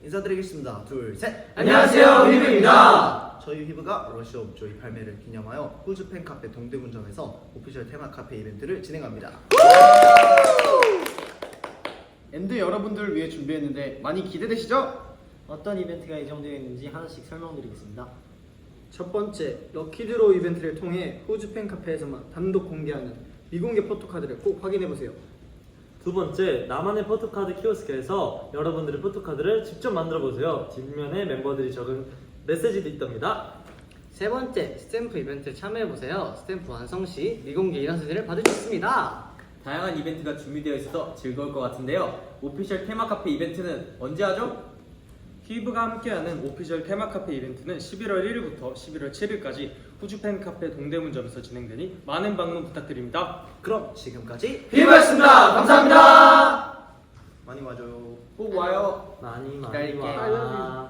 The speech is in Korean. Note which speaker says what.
Speaker 1: 인사드리겠습니다. 둘, 셋.
Speaker 2: 안녕하세요, 휘브입니다.
Speaker 1: 저희 휘브가 러시 오브 조이 발매를 기념하여 호주 팬카페 동대문점에서 오피셜 테마 카페 이벤트를 진행합니다.
Speaker 3: 엔드 여러분들을 위해 준비했는데 많이 기대되시죠?
Speaker 4: 어떤 이벤트가 예정되어 있는지 하나씩 설명드리겠습니다.
Speaker 5: 첫 번째, 럭키드로우 이벤트를 통해 호주 팬카페에서만 단독 공개하는 미공개 포토카드를 꼭 확인해보세요.
Speaker 2: 두 번째, 나만의 포토카드 키오스크에서 여러분들의 포토카드를 직접 만들어보세요. 뒷면에 멤버들이 적은 메시지도 있답니다.
Speaker 4: 세 번째, 스탬프 이벤트에 참여해보세요. 스탬프 완성 시 미공개 인원 사진을 받을 수 있습니다.
Speaker 6: 다양한 이벤트가 준비되어 있어서 즐거울 것 같은데요. 오피셜 테마 카페 이벤트는 언제 하죠?
Speaker 7: 휘브가 함께하는 오피셜 테마 카페 이벤트는 11월 1일부터 11월 7일까지 호주 팬카페 동대문점에서 진행되니 많은 방문 부탁드립니다.
Speaker 1: 그럼 지금까지
Speaker 2: 휘브였습니다. 감사합니다.
Speaker 1: 많이 와줘요.
Speaker 6: 꼭 와요.
Speaker 2: 많이
Speaker 6: 기다릴게.
Speaker 2: 와.